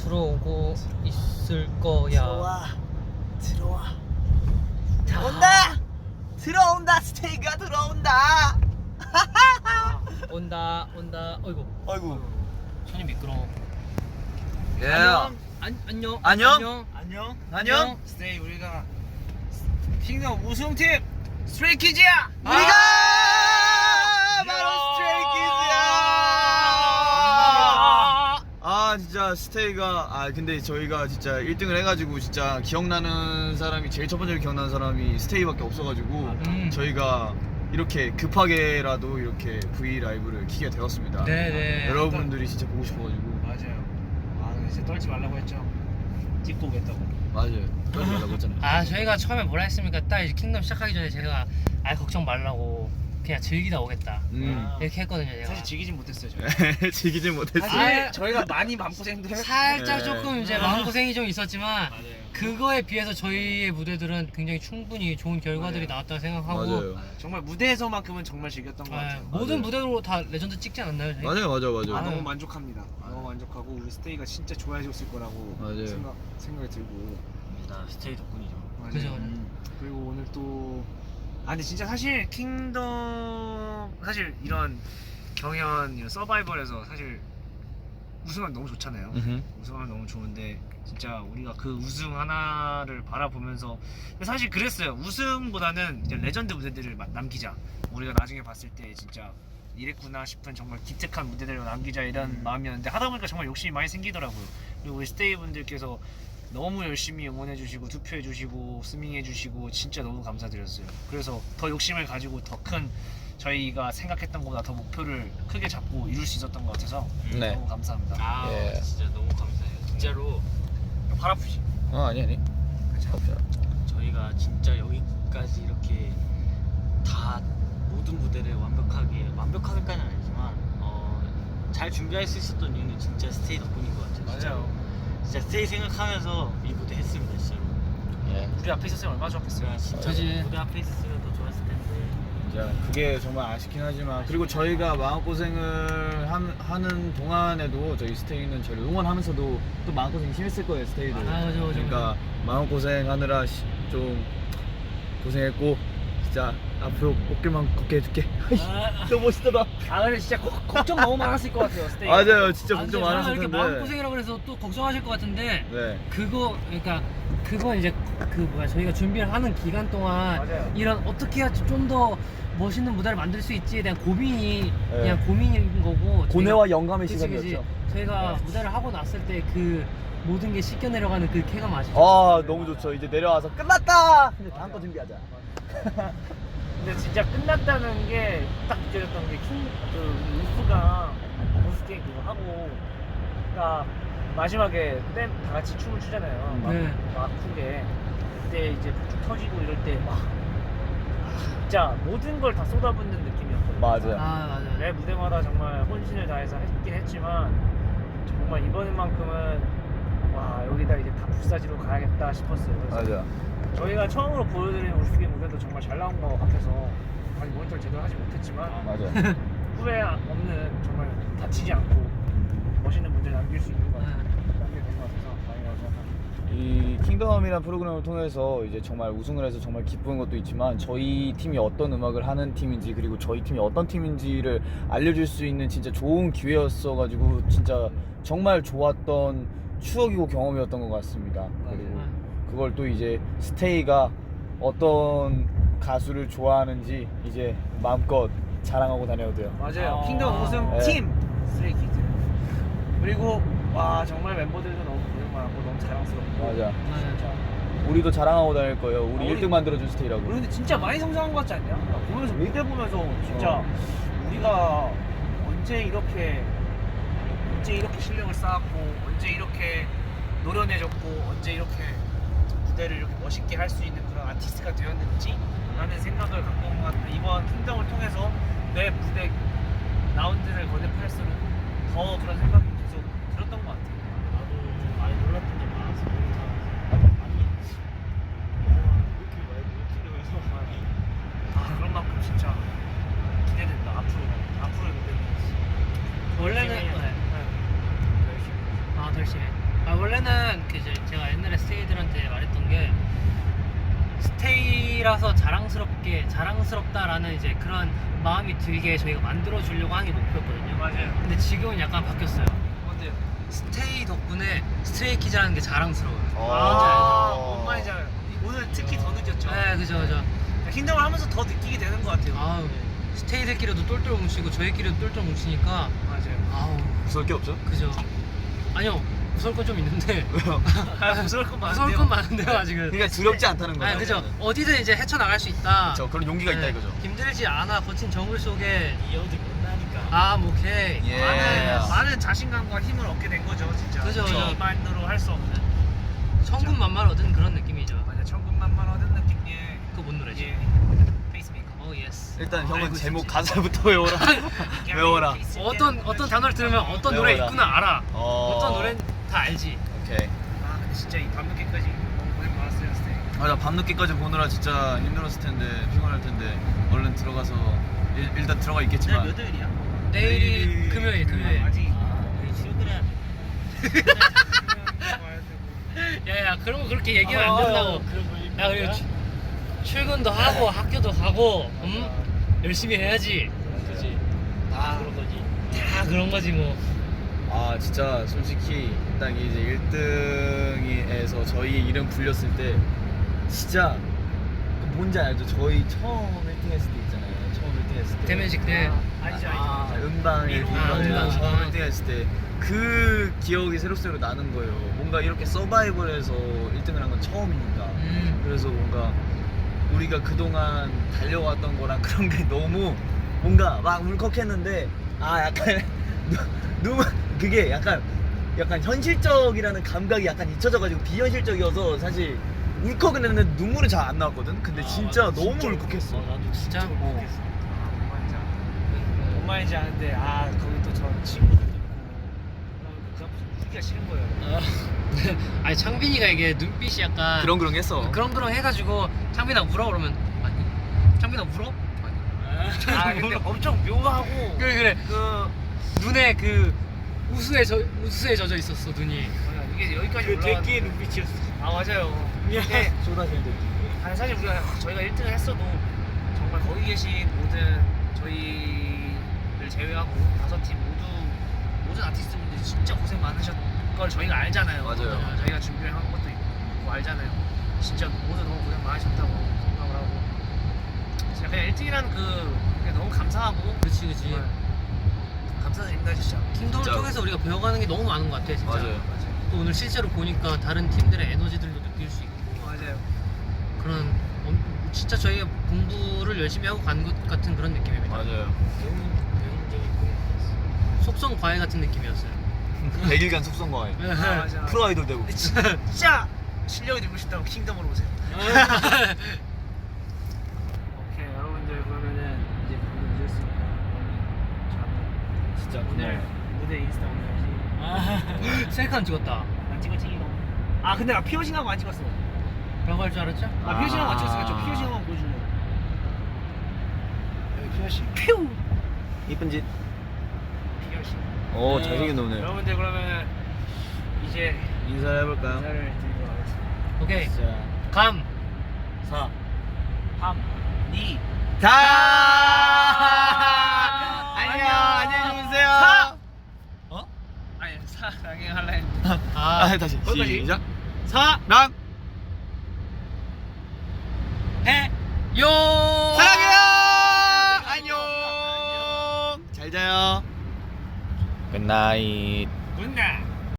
들어오고 있을 거야. 들어와. 자, 들어온다. 스테이가 들어온다. 온다. 어이구. 아이고. 손이 미끄러워. 예. 안녕. 안녕. 스테이 우리가 킹덤 우승팀 스트레이키즈야. 우리가 바로 스트레이키즈야. 아 진짜 스테이가 근데 저희가 진짜 1등을 해가지고 진짜 기억나는 사람이 제일 첫 번째로 기억나는 사람이 스테이밖에 없어가지고 저희가 이렇게 급하게라도 이렇게 V 라이브를 키게 되었습니다. 네네. 여러분들이 진짜 보고 싶어가지고. 맞아요. 근데 이제 떨지 말라고 했죠. 찍고 오겠다고. 맞아요. 떨지 말라고 했잖아요. 저희가 처음에 뭐라 했습니까? 딱 이제 킹덤 시작하기 전에 제가 걱정 말라고 그냥 즐기다 오겠다 이렇게 했거든요. 제가. 사실 즐기진 못했어요. 저희. 즐기진 못했어요. 사실 저희가 많이 마음고생도 했고 살짝 네. 조금 이제 마음고생이 좀 있었지만 맞아요. 그거에 비해서 저희의 무대들은 굉장히 충분히 좋은 결과들이 맞아요. 나왔다고 생각하고 맞아요. 정말 무대에서만큼은 정말 즐겼던 것 같아요. 모든 무대로 다 레전드 찍지 않았나요? 저희? 맞아요. 너무 만족합니다. 너무 만족하고 우리 스테이가 진짜 좋아해줬을 거라고 맞아요. 생각이 들고. 스테이 덕분이죠. 맞아요. 그죠. 그리고 오늘 또 근데 진짜 사실 킹덤 사실 이런 경연 이런 서바이벌에서 사실 우승하면 너무 좋잖아요. 우승하면 너무 좋은데 진짜 우리가 그 우승 하나를 바라보면서 근데 사실 그랬어요. 우승보다는 이제 레전드 무대들을 남기자. 우리가 나중에 봤을 때 진짜 이랬구나 싶은 정말 기특한 무대들을 남기자 이런 마음이었는데 하다 보니까 정말 욕심이 많이 생기더라고요. 그리고 우리 스테이 분들께서 너무 열심히 응원해주시고 투표해주시고 스밍해주시고 진짜 너무 감사드렸어요. 그래서 더 욕심을 가지고 더 큰 저희가 생각했던 것보다 더 목표를 크게 잡고 이룰 수 있었던 것 같아서 네. 너무 감사합니다. 예. 진짜 너무 감사해요. 진짜로 팔 아프지? 아니. 저희가 진짜 여기까지 이렇게 다 모든 무대를 완벽하게까지는 아니지만 잘 준비할 수 있었던 이유는 진짜 스테이 덕분인 것 같아요. 진짜로. 진짜 스테이 생각하면서 이 무대 했습니다. 진짜로. 예. 우리 앞에 있었으면 얼마나 좋았겠어요. 진짜 그치. 무대 앞에 있었으면 더 좋았을 텐데. 진짜 그게 정말 아쉽긴 하지만 그리고 저희가 마음고생을 하는 동안에도 저희 스테이는 저를 응원하면서도 또 마음고생이 심했을 거예요. 스테이도. 그죠. 그러니까 마음고생하느라 좀 고생했고 진짜 앞으로 꽃길만 걷게 해줄게. 너무 멋있더라. 근데 진짜 걱정 너무 많았을 것 같아요. 스테이. 맞아요. 진짜 근데 걱정 많았을 이렇게 텐데. 마음고생이라고 그래서 또 걱정하실 것 같은데 네. 그건 이제 저희가 준비를 하는 기간 동안 맞아요. 이런 어떻게 해야 좀 더 멋있는 무대를 만들 수 있지에 대한 고민이 네. 그냥 고민인 거고 고뇌와 영감의 그치. 시간이었죠. 저희가 무대를 하고 났을 때 그 모든 게 씻겨 내려가는 그 쾌감 아시죠? 너무 좋죠. 이제 내려와서 끝났다. 이제 다음 거 준비하자. 근데 진짜 끝났다는 게 딱 느껴졌던 게 울프가 보스 게임 그거 하고 그러니까 마지막에 다 같이 춤을 추잖아요. 네. 막 아프게 그때 이제 쭉 터지고 이럴 때 막 진짜 모든 걸 다 쏟아붓는 느낌이었거든요. 맞아요. 맞아요. 매 무대마다 정말 혼신을 다해서 했긴 했지만 정말 이번만큼은 와 여기다 이제 다 불사지로 가야겠다 싶었어요. 그래서 맞아. 저희가 처음으로 보여드린 울프게 무대도 정말 잘 나온 것 같아서 아직 모니터를 제대로 하지 못했지만 맞아. 후회 없는 정말 다치지 않고 멋있는 무대를 남길 수 있는 것 같아요. 남게 된 것 같아서 다행이라고 생각합니다. 이 킹덤이라는 프로그램을 통해서 이제 정말 우승을 해서 정말 기쁜 것도 있지만 저희 팀이 어떤 음악을 하는 팀인지 그리고 저희 팀이 어떤 팀인지를 알려줄 수 있는 진짜 좋은 기회였어가지고 진짜 정말 좋았던 추억이고 경험이었던 것 같습니다. 그리고 그걸 또 이제 스테이가 어떤 가수를 좋아하는지 이제 마음껏 자랑하고 다녀도 돼요. 맞아요. 킹덤 우승 네. 팀 스트레이키즈. 그리고 와 정말 멤버들도 너무 고생 많았고 너무 자랑스럽고. 맞아. 진짜. 우리도 자랑하고 다닐 거예요. 우리 우리- 1등 만들어준 스테이라고. 우리 근데 진짜 많이 성장한 것 같지 않냐? 보면서 무대 보면서 진짜 우리가 언제 이렇게 실력을 쌓았고 언제 이렇게 노련해졌고 언제 이렇게 무대를 이렇게 멋있게 할 수 있는 그런 아티스트가 되었는지 라는 생각을 갖고 온 것 같아요. 이번 킹덤을 통해서 내 무대 라운드를 거듭할수록 더 그런 생각이 계속 들었던 것 같아요. 나도 많이 놀랐던 게 많아서 아니 이렇게 이러면서 그런 만큼 진짜 기대된다. 앞으로의 무대. 원래는 더 열심히. 아 원래는 그 이제 제가 옛날에 스테이들한테 말했던 게 스테이라서 자랑스럽다라는 이제 그런 마음이 들게 저희가 만들어 주려고 하는 게 목표였거든요. 맞아요. 근데 지금은 약간 바뀌었어요. 뭔데요? 스테이 덕분에 스트레이키즈라는 게 자랑스러워요. 뭔 말인지 알아요. 오늘 특히 더 느꼈죠. 네, 그죠. 킹덤을 하면서 더 느끼게 되는 것 같아요. 아우 스테이들끼리도 똘똘 뭉치고 저희끼리도 똘똘 뭉치니까 맞아요. 아우 무서울 게 없죠? 그죠. 아니요 무서울 건 좀 있는데 왜요? 무서울 건 많은데요. 무서울 건 많은데요 아직은. 그러니까 두렵지 않다는 거죠. 아 그죠. 어디든 이제 헤쳐나갈 수 있다. 그렇죠. 그런 용기가 있다 네, 이거죠. 힘들지 않아 거친 정글 속에 이어도 못나니까. 아 뭐 오케이. 예. 많은 자신감과 힘을 얻게 된 거죠, 진짜. 그죠. 이만으로 할 수 없는. 천군만마를 얻은 그런 느낌이죠. 맞아, 천군만만 얻은 느낌의. 그거 뭔 노래지? 예. 페이스메이커. 오 예스. 일단 형은 알고 제목 있었지. 가사부터 외워라. 외워라. 어떤 단어를 들으면 어떤 노래 외워라. 있구나 알아. 어. 어떤 노래는 다 알지. 오케이. 아, 근데 진짜 이 밤늦게까지 너무 고생 많았어요, 스테이. 맞아, 밤늦게까지 보느라 진짜 힘들었을 텐데, 피곤할 텐데 얼른 들어가서 일단 들어가 있겠지만. 몇 월이야? 내일이 금요일. 아직. 우리 출근해야 돼. 야야 그런 거 그렇게 얘기하면 안 된다고. 야 그리고 출근도 하고 학교도 가고 열심히 해야지. 그지. 다 그런 거지. 다 그런 거지 뭐. 아 진짜 솔직히 딱 이제 1등에서 저희 이름 불렸을 때 진짜 뭔지 알죠? 저희 처음 1등 했을 때 있잖아요. 처음 1등 했을 때 대면식 때. 알죠. 음방에 음방. 처음 1등 했을 때 그 기억이 새록새록 나는 거예요. 뭔가 이렇게 서바이벌에서 1등을 한 건 처음이니까. 그래서 뭔가 우리가 그동안 달려왔던 거랑 그런 게 너무 뭔가 막 울컥했는데 아 약간 너무 그게 약간 현실적이라는 감각이 약간 잊혀져가지고 비현실적이어서 사실 울컥은 했는데 눈물은 잘 안 나왔거든. 근데 진짜 맞아, 너무 진짜 울컥했어. 나도 진짜? 뭔 말인지 아는데 거기 또 저 친구들도 있고 그 앞에서 울기가 싫은 거예요. 아니 창빈이가 이게 눈빛이 약간 그렁그렁했어. 그렁그렁 해가지고 창빈아 울어 그러면 아니. 창빈아 울어? 아니. 아 근데 엄청 묘하고 그래. 그 눈에 그 우수에 젖어 있었어 눈이. 뭐야, 이게 여기까지 그 올라왔. 대끼의 눈빛이었어. 아 맞아요. 근데 쏟아지는 데. 아니 사실 저희가 1등을 했어도 정말 거기 계신 모든 저희를 제외하고 5팀 모든 아티스트분들이 진짜 고생 많으셨던 걸 저희가 알잖아요. 맞아요. 저희가 준비한 것도 있고 알잖아요. 진짜 모두 너무 고생 많으셨다고 생각을 하고 진짜 그냥 1등이라는 그게 너무 감사하고 그치. 정말 감사드립니다 진짜. 킹덤을 진짜. 통해서 우리가 배워가는 게 너무 많은 것 같아 진짜. 맞아요. 또 오늘 실제로 보니까 다른 팀들의 에너지들도 느낄 수 있고 맞아요. 그런 진짜 저희가 공부를 열심히 하고 간 것 같은 그런 느낌입니다. 맞아요. 배움적이고. 속성 과외 같은 느낌이었어요. 100일간 속성과에 맞아. 프로 아이돌 되고. 근데 진짜 실력이 늘고 싶다고 킹덤으로 오세요. 오케이 여러분들 그러면은 이제 방금 늦었으니까 저는 진짜 오늘 무대 인스타 올려야지. 셀카 안 찍었다. 안 찍었지 이거. 아 근데 나 피어싱하고 안 찍었어. 라고 할 줄 알았죠? 아 피어싱하고 안 찍었으니까 저 피어싱하고 보여줄래요? 여기 피어싱. 퓨. 이쁜 짓. 피어싱. 오 잘생긴 놈네. 여러분들 그러면 이제 인사를 해볼까요? 인사를 드리도록 하겠습니다. 오케이. 자, 감. 4. 3, 2, 다. 안녕히 주무세요. 아니 사랑해 할라 했는데. 다시 거기까지. 시작. 사. 해. 요. 사랑해요. 안녕. 잘 자요. 굿나잇. 굿나잇.